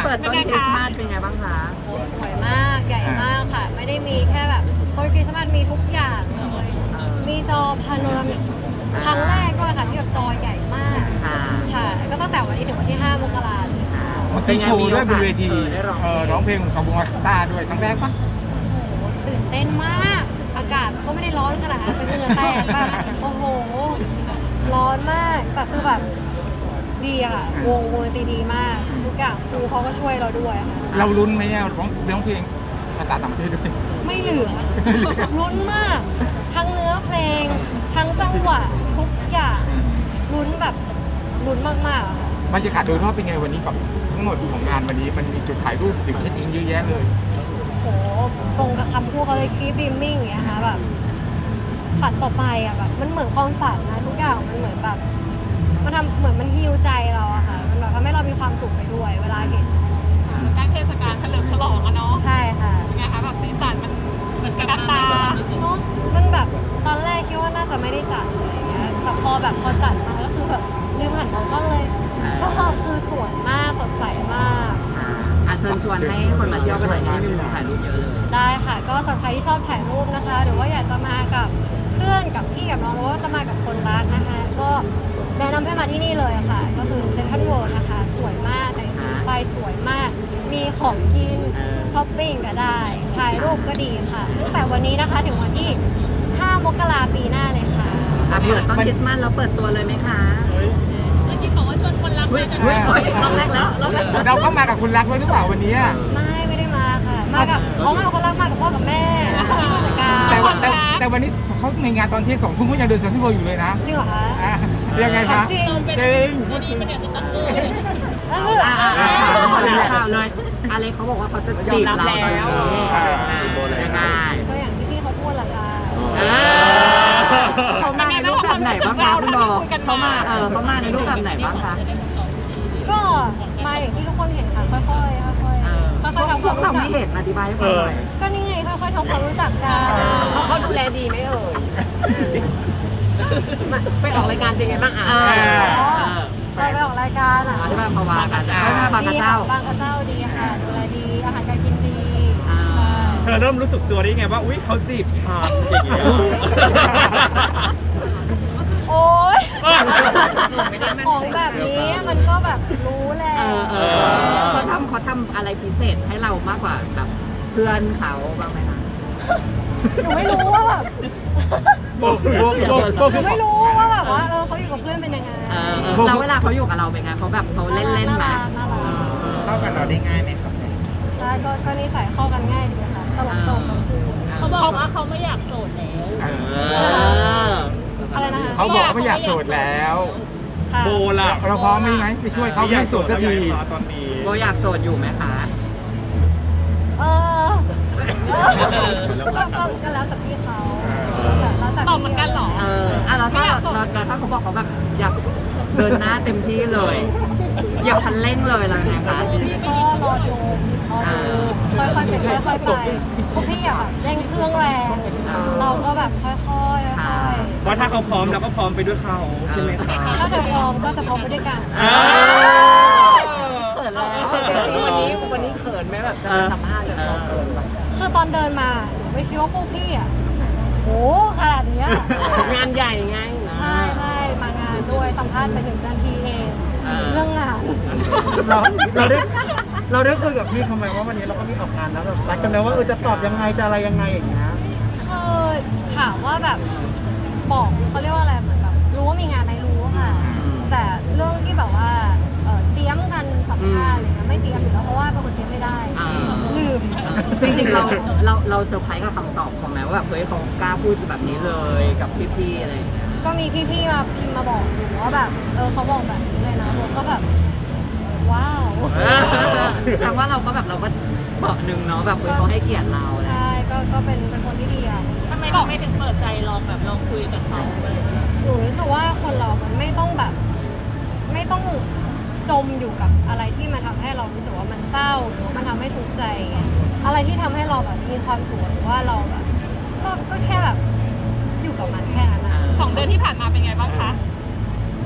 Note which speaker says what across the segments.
Speaker 1: เปิดต้นคริสต์มาสเป็นไงบ้างคะ
Speaker 2: สวยมากใหญ่มากค่ะไม่ได้มีแค่แบบต้นคริสต์มาสมีทุกอย่างเลยมีจอพาโนรามิกครั้งแรกด้วยค่ะที่แบบจอใหญ่มากค่ะก็ตั้งแต่วันนี้ถึงวันที่5 มกราคมเลยค่ะ
Speaker 3: มันมีโชว์ด้วยบนเวที
Speaker 1: ได้ร้อง
Speaker 3: ร้องเพลงของวงอัสตาด้วยครั้งแรกปะ
Speaker 2: ตื่นเต้นมากอากาศก็ไม่ได้ร้อนขนาดนั้นเป็นเหงื่อแตกแบบโอ้โหร้อนมากแต่คือแบบดีอะค่ะวงดนตรีดีมากทุกอย่างครูเขาก็ช่วยเราด้วยค่ะ
Speaker 3: เราลุ้นไหมอ่ะร้องเพลงภาษาต่างประเทศด้วย
Speaker 2: ไม่เหลือลุ้นมากทั้งเนื้อเพลงทั้งจังหวะทุกอย่างลุ้นแบบลุ้นมากๆอะค่ะ
Speaker 3: บรรยากาศโดยรอบเป็นไงวันนี้กับทั้งหมดของงานวันนี้มันมีจุดถ่ายรูปจุดเช็คอินเยอะแยะเลย
Speaker 2: โหตรงกับคำพูดเขาเลย keep dreaming อย่างเงี้ยค่ะแบบฝันต่อไปอะแบบมันเหมือนความฝันนะทุกอย่างมันเหมือนแบบมันทำเหมือนมันฮีลใจเราอะค่ะมันแบบทำให้เรามีความสุขไปด้วยเวลาเห็น
Speaker 4: ใกล้เทศกาลเฉลิมฉลองอะเนาะ
Speaker 2: ใช่ค่ะ
Speaker 4: เป็นไงคะแบบสีสันมันเหมือนกันตา
Speaker 2: เนาะมันแบบตอนแรกคิดว่าน่าจะไม่ได้จัดอะไรอย่างเงี้ยแต่พอจัดมาก็คือแบบลืมหันมองกล้องเลยก็คือสวยมากสดใสมาก
Speaker 1: เชิญชวนให้คนมาเที่ยวกันหน่อยนี่มีมุมถ่ายรูปเยอะเลย
Speaker 2: ได้ค่ะก็สำหรับใครที่ชอบถ่ายรูปนะคะ หรือว่าอยากจะมากับเพื่อนกับพี่กับน้องหรือว่าจะมากับคนรักนะคะ ก็แนะนำให้มาที่นี่เลยค่ะ ก็คือเซ็นทรัลเวิลด์นะคะ สวยมากแต่งสีไฟสวยมาก มีของกินช้อปปิ้งก็ได้ ถ่ายรูปก็ดีค่ะตั้งแต่วันนี้นะคะถึงวันที่ 5 มกราคมปีหน้าเลยค่ะ
Speaker 1: เปิดต้นคริสต์มาสแล้วเปิดตัวเลยไหมคะ
Speaker 4: เมื่อกี้บอกว่าชวนคนรักมากัน
Speaker 1: รอบแรกแล้วรอบแรก
Speaker 3: เราก็มากับคุณรักไว้หรือเปล่าวันนี้
Speaker 2: ไม่ได้มาค่ะ มากับคนรักมากับพ่อกับแม่ผู้จัดการ
Speaker 3: แต่วันนี้เขาในงานตอนเที่ยง2 ทุ่มเขายังเดินเซ็นทรัลเวิลด์อยู่เลยนะ
Speaker 2: จริงเหรอคะ
Speaker 3: ยังไงคะ
Speaker 2: จริง
Speaker 3: จริง
Speaker 4: ดีๆเป็นเด็กสตั๊กเกอร์
Speaker 1: ข่าวเลยอะไรเขาบอกว่าเขาจะจีบเราตอนนี้ยังไง
Speaker 2: ก็อย่างที่พี่เขาพูดแหละค่ะ
Speaker 1: เขามาในรูปแบบไหนบ้างคะคุณบอกเขามาในรูปแบบไหนบ้างคะ
Speaker 2: ก็มาอย่างที่ทุกคนเห็นค่ะค่อยๆค่อยๆทำค
Speaker 1: พ
Speaker 2: วาว ม
Speaker 1: กเรา
Speaker 2: รู้จั
Speaker 1: ไม่
Speaker 2: ก
Speaker 1: เห็นอธิบายให้ฟังหน่อย
Speaker 2: ก็นี่ไงค่อยๆทำความรู้จักกัน
Speaker 4: เขาดูแลดีไหมเอ่ยไปออกรายการเป็นไงบ้างอ่ะ
Speaker 2: เราไปออกรายการอ่ะ
Speaker 1: ที่บ้านภาวากันบางก
Speaker 2: ดี
Speaker 1: ระ
Speaker 2: ค่ะ
Speaker 1: เจ้า
Speaker 2: บางกระเจ้าดีค่ะดูแลดีอาหารการกินดี
Speaker 5: เธอเริ่มรู้สึกตัวได้ไงว่าอุ๊ยเขาจีบฉันอย่างเงี้ย
Speaker 2: โอ๊ยของแบบนี้มันก็แบบรู้แหละ
Speaker 1: เขาทำอะไรพิเศษให้เรามากกว่าแบบเพื่อนเขาบ้างไหมคะ
Speaker 2: หนูไม่รู้ว่าแบบ
Speaker 3: โบ
Speaker 2: หนูไม่รู้ว่าแบบว่าเขาอยู่กับเพื่อนเป็นยังไง
Speaker 1: แล้วเวลาเขาอยู่กับเราเป็นไงเขาแบบเขาเล่นๆไหม
Speaker 2: น่ารัก
Speaker 3: เข้ากับเราได้ง่ายไหมครับ
Speaker 2: ใช่ก็นิสัยเข้ากันง่ายดีค่ะตลกทั้งคู่
Speaker 4: เขาบอกว่าเขาไม่อยากโสดแล้ว
Speaker 2: อะไรนะคะ
Speaker 3: เขาบอกไม่อยากโสดแล้ว
Speaker 2: ค่ะ
Speaker 5: โบล่ะ
Speaker 3: เราพร้อมไหมไปช่วยเขาไม่ให้โสดสักที
Speaker 5: ตอนนี้
Speaker 1: โบอยากโสดอยู่ไหมคะ
Speaker 2: เออก็แล้วแต่พี่เขาแล้วแต่
Speaker 4: ตอบเหมือนกันเหรอ
Speaker 1: แล้วถ้าเขาบอกเขาแบบอยากเดินหน้าเต็มที่เลย อยากคันเร่งเลยอะไรไงคะ
Speaker 2: ก็รอชมค่อยๆเป็นค่อยๆไปพวกพี่อะแบบเร่งเครื่องแรงเราก็แบบค่อยๆค่อยๆ
Speaker 5: ว่าถ้าเขาพร้อมเราก็พร้อมไปด้วยเขาใช่ไหมคะ
Speaker 2: ถ้าเธอพร้อมก็จะพร้อมไปด้วยกัน
Speaker 1: เขินแล้ว
Speaker 4: วันนี้เขินไหมแบบจะสัมภาษณ์แบบเขิน
Speaker 2: คือตอนเดินมาหนูไม่คิดว่าพวกพี่อ่ะโอ้ขนาดเนี้ย
Speaker 4: งานใหญ่ไง
Speaker 2: ใช่มางานด้วยสัมภาษณ์ไป1 นาทีเองเรื่องงาน
Speaker 5: เราได้คุยกับพี่เขาไหมว่าวันนี้เราก็มีออกงานแล้วแบบรักกันแล้วว่าจะตอบยังไงจะอะไรยังไงอย่างเงี้ย
Speaker 2: คือถามว่าแบบบอกเขาเรียกว่าอะไรเหมือนแบบรู้ว่ามีงานไหมรู้ค่ะ แต่เรื่องที่แบบว่าเตรียมกันสัมภาษณ์อะไรเงี้ยไม่เตรียมอยู่แล้วเพราะว่าเป็นคนเตรียมไม่ได้ลืม
Speaker 1: จริงๆเราเซอร์ไพรส์กับคำตอบของแม้ว่าแบบเฮ้ยเขากล้าพูดแบบนี้เลยกับพี่ๆอะไรอย่างเงี้ย
Speaker 2: ก็มีพี่ๆมาพิมพ์มาบอกหนูว่าแบบเขาบอกแบบนี้เลยนะผมก็แบบว้าว
Speaker 1: แต่ว่าเราก็แบบเราก็บอกหนึ่งเนาะแบบเขาให้เกียรติเรา
Speaker 2: ใช่ก็เป็นคนที่ดีอ่ะ
Speaker 4: ทำไมไม่ถึงเปิดใจลองคุยกับเขาเลย
Speaker 2: หนูรู้สึกว่าคนเรามันไม่ต้องแบบ ไม่ต้องจมอยู่กับอะไรที่มันทำให้เรารู้สึกว่ามันเศร้าหรือว่ามันทำให้ทุกข์ใจอย่างเงี้ยอะไรที่ทำให้เราแบบมีความสุขหรือว่าเราแบบก็แค่แบบอยู่กับมันแค่นั้นนะ
Speaker 4: 2 เดือนที่ผ่านมาเป็นไงบ้างคะ
Speaker 2: ก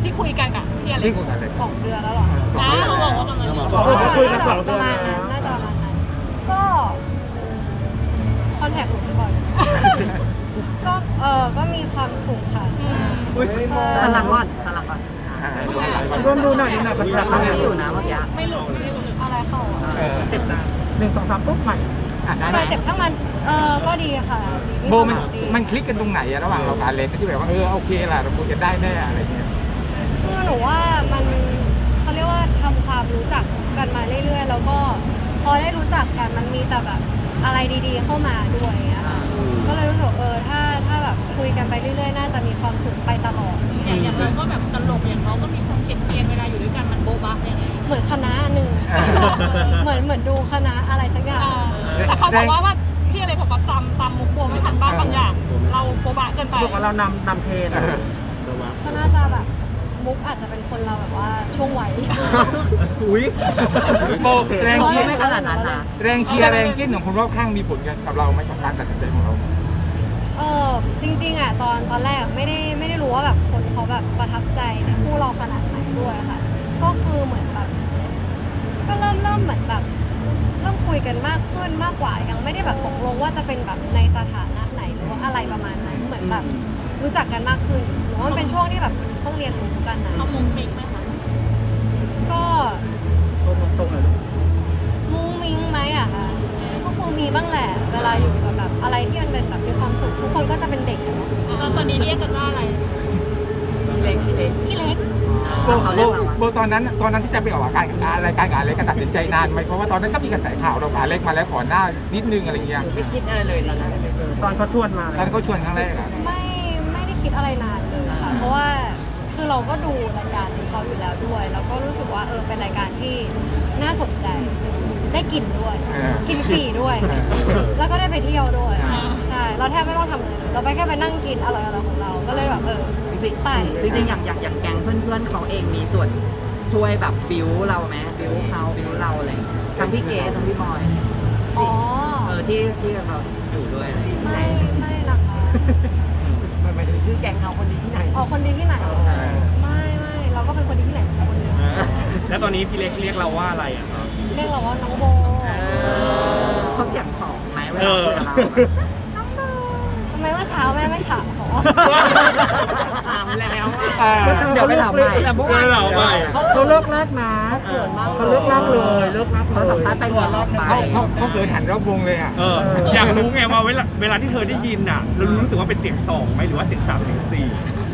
Speaker 6: ที่คุยกันกับพี่อะไร
Speaker 3: ที่คุยกันเลย
Speaker 2: 2 เดือนแล้วเหรอ
Speaker 3: สองเดือน
Speaker 6: เขาบอกว่าประมาณนี้
Speaker 5: คุยกันสองเดื
Speaker 2: ป
Speaker 5: อน
Speaker 2: ระมาณนั้นน่าจะประมาณนั้นก็คอนแทคหนูบ่อยก็ก็มีความสุขค่ะ
Speaker 1: อุ้ยพลังก่อนพลังก่อน
Speaker 5: ร่วมดูหน่อยหน่อย
Speaker 1: แต่เขาไม่อยู่นะเมื่อกี้
Speaker 6: ไม่หลุดไม่หลุด
Speaker 2: อะไรเข้าอ่ะ
Speaker 5: เจ็บนะ1 2 3ปุ๊บใหม่
Speaker 2: อะไรเจ็บทั้งมันก็ดีค่ะดี
Speaker 3: โบ
Speaker 2: มี
Speaker 3: มัน
Speaker 2: ความสุขดี
Speaker 3: มันคลิกกันตรงไหนอะระหว่างเรากับอเล็กที่แบบว่าโอเคล่ะเราคุยกันได้แน่อะไรเงี้ย
Speaker 2: คือหนูว่ามันเขาเรียกว่าทำความรู้จักกันมาเรื่อยๆ แล้วก็พอได้รู้จักกันมันมีแต่แบบอะไรดีๆเข้ามาด้วยอย่างเงี้ยค่ะก็เลยรู้สึกถ้าแบบคุยกันไปเรื่อยๆ น่าจะมีความสุขไปตลอด
Speaker 6: อย่างเราก็แบบตลกอย่างเขาก็มีความเกลียดเวลาอยู่ด้วยกันมันโบ๊ะบ๊ะยังไง
Speaker 2: เหมือนคณะหนึ่งเหมือนดูคณะอะไรสักอย่าง
Speaker 6: แต่เขาบอกว่าพี่อะไรบอกว่าตำมุกโบไม่ทันบ้างบางอย่าง เราโบ๊ะบ๊ะเกินไป
Speaker 5: บอกว่าเรานำเทรน
Speaker 2: ก็น่าจะแบบมุกอาจจะเป็นคนเราแบบว่าช่วงวัย
Speaker 1: อุ้ย
Speaker 3: โบแรงเชียร์
Speaker 1: ไม่ขนาดนั้นนะ
Speaker 3: แรงเชียร์แรงจิ้นของคนรอบข้างมีผลกันกับเราไหมกับการตัดสินใจของเรา
Speaker 2: จริงๆอ่ะตอนแรกไม่ได้รู้ว่าแบบคนเขาแบบประทับใจในคู่เราขนาดไหนด้วยค่ะ ก็คือเหมือนแบบก็เริ่มเหมือนแบบเริ่มคุยกันมากขึ้นมากกว่ายังไม่ได้แบบตกลงว่าจะเป็นแบบในสถานะไหนหรือว่าอะไรประมาณนั้นเหมือนแบบรู้จักกันมากขึ้นหรือว่ามันเป็นช่วงที่แบบต้องเรียนรู้กันนะ
Speaker 6: เขามุงมิงไหมคะ
Speaker 2: ก็
Speaker 5: ตรงเลย
Speaker 2: มุ้งมิ้งไหมอะคะก็คงมีบ้างแหละเวลาอยู่กับแบบอะไรที่มันเป็นแบบมีความสุขทุกคนก็จะเป็นเด็กอะเนาะ
Speaker 6: ตอนนี้เรียกกันว่าอะไร
Speaker 2: พี่เล็ก
Speaker 3: โบตอนนั้นที่จะไปออกรายการกับอเล็กก็ตัดสินใจนานไหมเพราะว่าตอนนั้นก็มีกระแสข่าวเรากับอเล็กมาแล้วก่อนหน้านิดนึงอะไรเงี้ย
Speaker 4: ไม่คิดอะไรเลยตอนนั้น
Speaker 5: ตอนเขาชวนมา
Speaker 3: ตอนเขาชวนครั้งแรกอะ
Speaker 2: ไม่ได้คิดอะไรนานเลยนะคะเพราะว่าคือเราก็ดูรายการของเขาอยู่แล้วด้วย แล้วก็รู้สึกว่าเป็นรายการที่น่าสนใจ ได้กินด้วย กินฟรีด้วย แล้วก็ได้ไปเที่ยวด้วย ใช่ เราแทบไม่ต้องทำเลยเราไปแค่ไปนั่งกินอร่อยๆของเรา ก็เลยแบบไป
Speaker 1: จริงๆอย่างแก๊งเพื่อนๆเขาเองมีส่วนช่วยแบบบิวเราไหมบิวเขาบิวเราอะไรอย่างเงี้ยทั้งพี่เกดทั้งพี่บอย
Speaker 2: อ๋อ
Speaker 1: ที่เราอยู่ด้วยอะไรอย่างเงี้ย
Speaker 2: ไม่นะคะ
Speaker 4: หมายถึงชื่อแก๊งเขาคนดีที่ไหน
Speaker 2: อ๋อคนดีที่ไหนไม่เราก็เป็นคนดีที่ไหนเหมือนกันคนเดียว
Speaker 7: แล้วตอนนี้พี่เล็กเรียกเราว่าอะไรอ่ะครับ
Speaker 2: เรียกเราว่าน้องโบ
Speaker 1: เขาเสียงสองไหมเวลาคุยกับเรา
Speaker 2: ทำไมว่าเช้าแม่ไม่ถามเขา
Speaker 4: ถามแล้ว
Speaker 1: เดี๋ยวไปถามใหม่
Speaker 4: แต่เมื่อวาน
Speaker 5: เขาเลิกลากนะเขาเลิกลากเลยเลิกลาก
Speaker 1: เขาสัมภาษณ์ไปหัวรอบไป
Speaker 3: เขาเกินหันรอบวงเลยอะ
Speaker 7: อยากรู้ไงว่าเวลาที่เธอได้ยินอ่ะ เรารู้สึกว่าเป็นเสียงสองไหมหรือว่าเสียงสามเสียงสี่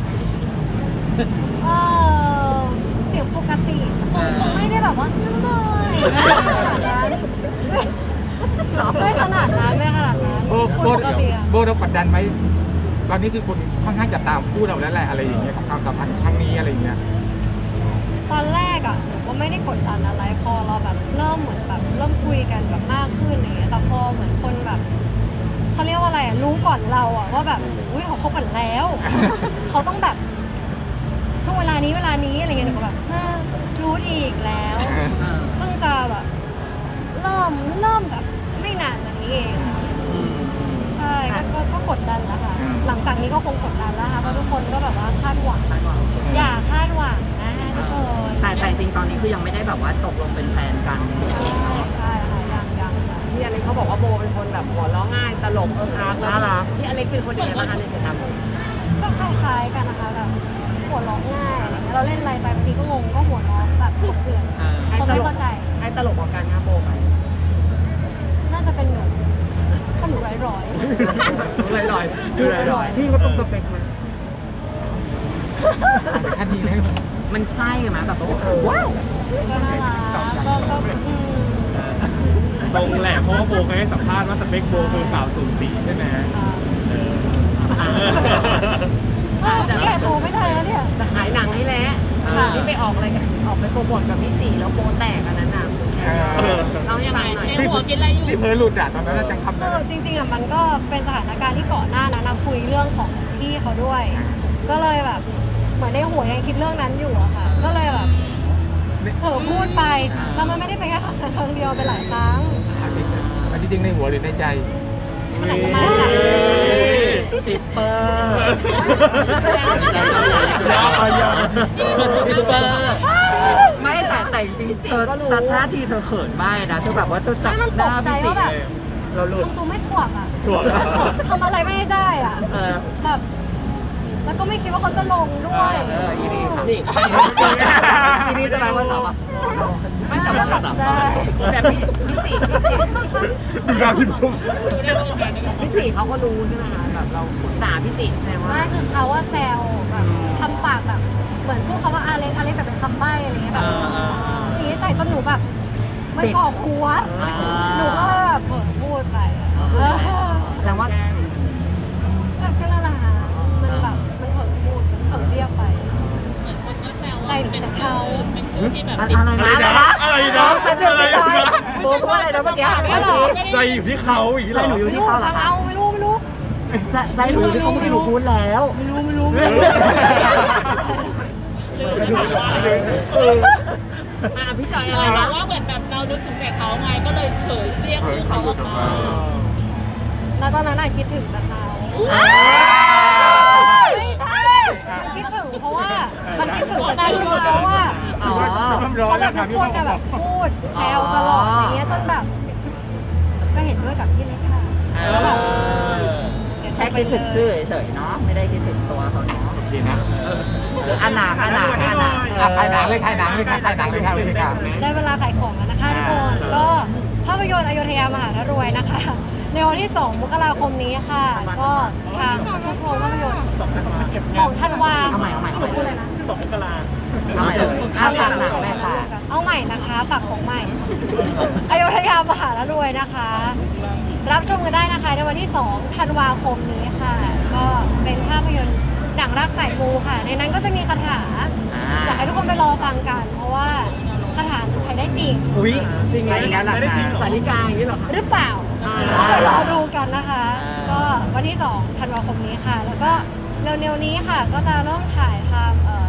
Speaker 2: เสียงปกติคงไม่ได้แบบว่านั่งเลยไม่ขนาดนั้นไม่ขนาดนั้น
Speaker 3: โบ
Speaker 2: คนปกติอะ
Speaker 3: เรากดดันไหมตอนนี้คือคนค่อนข้างจะตามพูดเราแล้วแหละอะไรอย่างเงี้ยกับความสัมพันธ์ครั้งนี้อะไรอย่างเงี้ย
Speaker 2: ตอนแรกอ่ะหนูก็ไม่ได้กดดันอะไรพอเราแบบเริ่มเหมือนแบบเริ่มคุยกันแบบมากขึ้นอย่างเงี้ยแต่พอเหมือนคนแบบเขาเรียกว่าอะไรอะรู้ก่อนเราอ่ะว่าแบบอุ้ยเขาคบกันแล้ว เขาต้องแบบช่วงเวลานี้อะไรเงี้ยหนูก็แบบรู้อีกแล้วเพิ่งจะแบบเริ่มแบบไม่นานมานี้เองอะใช่ก็กดดันแล้วค่ะหลังจากนี้ก็คงกดดันแล้วค่ะเพราะทุกคนก็แบบว่าคาดหวังอย่าคาดหวังนะทุกคน
Speaker 1: แต่จริงตอนนี้คือยังไม่ได้แบบว่าตกลงเป็นแฟนกัน
Speaker 2: ใช่ค่ะยังค่ะ
Speaker 4: พี่อเล็กเขาบอกว่าโบเป็นคนแบบหัวเราะง่ายตลกอาร์ต
Speaker 5: น่ารัก
Speaker 4: พี่อเล็กเป็นคนยังไงบ้างคะในสายตาโบ
Speaker 2: ก็คล้ายๆกันนะคะแบบหัวเราะง่ายอะไรเงี้ยเราเล่นอะไรไปบางทีก็งงก็หัวเราะแบบกบเกลื่อนเขาไม่เข้าใจ
Speaker 4: ให้ตลกกว่ากันคะโบไป
Speaker 2: น่าจะเป็นหนูก็หนูร้อย
Speaker 4: ลอย
Speaker 5: พี่ก็ต้องสเปคมัน
Speaker 3: ขั้นนี้แล้ว
Speaker 1: มันใช่ไหมแบบว้าว
Speaker 2: ๆก็น่ารักก็
Speaker 7: ตรงแหละเพราะว่าโบเคยให้สัมภาษณ์ว่าสเปคโบคือสาวสูงสีใช่ไหม
Speaker 2: แก้ตัวไม่ได้แล้วเนี่ย
Speaker 4: จะขายหนังให้แล้วที่ไปออกอะไรกันออกไปโปรโมทกับพี่สี่แล้วโบแตกอันนั้นน่ะเรายังไงหน่อย
Speaker 3: ที่เผลอหลุดอะตอนนั้นจังคำ
Speaker 2: คือจริงๆอ่ะมันก็เป็นสถานการณ์ที่ก่อนหน้านั้นนะคุยเรื่องของพี่เขาด้วย ก็เลยแบบเหมือนในหัวยังคิดเรื่องนั้นอยู่อะค่ะ ก็เลยแบบพูดไปแล้วมันไม่ได้เป็นแค่ครั้งเดียวเป็นหลายครั้ง
Speaker 3: มันจริงในหัวหรือในใจ
Speaker 2: มันอาจจะมาจาก
Speaker 1: ชิปเปอร์
Speaker 7: ชิปเปอร์
Speaker 1: ไม่แต่จริงๆเธอท่าทีเธอเขินมากนะเธอแบบว่าเธอจับ
Speaker 2: ไม่มัน
Speaker 1: ห
Speaker 2: ต
Speaker 1: น้าก
Speaker 2: ใจ
Speaker 1: พี่จิ
Speaker 2: ว่าแบบ
Speaker 3: เราหลุด
Speaker 2: ทำตัวไม่ถ่วงอ่ะ
Speaker 7: ถ่วง
Speaker 2: ทำอะไรไม่ได้อ่ะ
Speaker 1: เออ
Speaker 2: แบบแล้วก็ไม่คิดว่าเขาจะลงด้วย
Speaker 1: อีนี่ค่ะ
Speaker 4: นี่
Speaker 1: อีนี่จะไปวันเสาร์อ่ะ
Speaker 2: ไม่แต่ว่าแบบใจ
Speaker 4: แบบพี่ติพี่ติเขาก็รู้ใช่ไหมคะแบบเราปรึกษาพี่ติแสดงว่า
Speaker 2: ไม่คือเขาว่าแซวแบบทำปากแบบเหมือนพูดคำว่าอาเล็กแต่เป็นคำใบ้อะไรเงี้ยแบบอย่างนี้ใส่จนหนูแบบมันก่อหัวหนูก็เลยแบบเผลอพูดไปเออ
Speaker 1: แสดงว่า
Speaker 2: ก็นั่นแหละค่ะมันแบบมันเผลอพูดมันเผลอเรียกไปใจหนูเป็นเขา
Speaker 1: อะไรนะ
Speaker 7: อะไรนะ
Speaker 1: เป็นเรื่องไม่ได้โบว่าอะไรนะเมื่อกี้
Speaker 7: ใจอยู่ที่เขาอย่างนี้เหร
Speaker 1: ใจ
Speaker 7: อ
Speaker 1: หนูอยู่
Speaker 2: ไม่
Speaker 1: ที่
Speaker 2: รู้
Speaker 1: เขาเหรอ
Speaker 2: ฟังเอาไม่รู้
Speaker 1: ใจหนูอยู่ที่เขาไม่รู้พูดแล้ว
Speaker 4: พี่จอยอะไร
Speaker 6: แต่
Speaker 4: นะ
Speaker 6: ว่าเหมือนแบบเรานึกถึงแต่เขาไงก็เลยเผยเรียกชื่อเขาออกมา
Speaker 2: แล้วตอนนั้นอะคิดถึงแต่เขาไม่ใช่มันคิดถึงเพราะว่ามันคิดถึงแต่ชื่อเขาว่า
Speaker 1: อ๋อ
Speaker 3: ร้อน
Speaker 2: เขาแบ
Speaker 3: แล้
Speaker 2: บ
Speaker 3: วค่ะ
Speaker 2: ทุก
Speaker 3: พี่
Speaker 2: ค
Speaker 3: บอน ก
Speaker 2: จะแบบพูดแซวตลอดอย่างเงี้ยจนแบบ ก็เห็นด้วยกับพี่เล็กค่ะแล้วแบบเสียใจ
Speaker 1: แค่
Speaker 2: ไป
Speaker 1: คิด
Speaker 2: เล
Speaker 1: ถึงชื่
Speaker 2: ย
Speaker 1: อเฉยๆเนาะไม่ได้คิดถึงตัวเขาเนาะ
Speaker 3: โอเคนะ
Speaker 1: อันหนา
Speaker 3: ขายหนังเลยขายหนังเลยค่ะขายหนังเลยค่ะเลยค่ะ
Speaker 2: ได้เวลาขายของแล้วนะคะทุกคนก็ภาพยนตร์อโยธยามหารรวยนะคะ ในวันที่ 2 มกราคมนี้ค่ะ ก็ทางทุกโรงภาพยนตร์ของธันวา
Speaker 1: เอาใหม่เอาใหม่
Speaker 2: พูดเลยนะ
Speaker 1: เอาใหม่เลยฝากหนังเลยค่ะ
Speaker 2: เอาใหม่นะคะฝากของใหม่ อโยธยามหารวยนะคะ รับชมกันได้นะคะในวันที่ 2 ธันวาคมนี้ค่ะ ก็เป็นภาพยนตร์หนังรักสายมูค่ะ ในนั้นก็จะมีคาถาอยากให้ทุกคนไปรอฟังกัน เพราะว่าคาถาใช้ได้จริง
Speaker 1: อุ้ยจริงไหมแล้วล่ะคะ
Speaker 4: สาริกาอย่างนี้เหรอคะ
Speaker 2: หรือเปล่าต้องไปรอดูกันนะคะ ก็วันที่ 2 ธันวาคมนี้ค่ะ แล้วก็เร็วๆนี้ค่ะ ก็จะเริ่มถ่ายทำ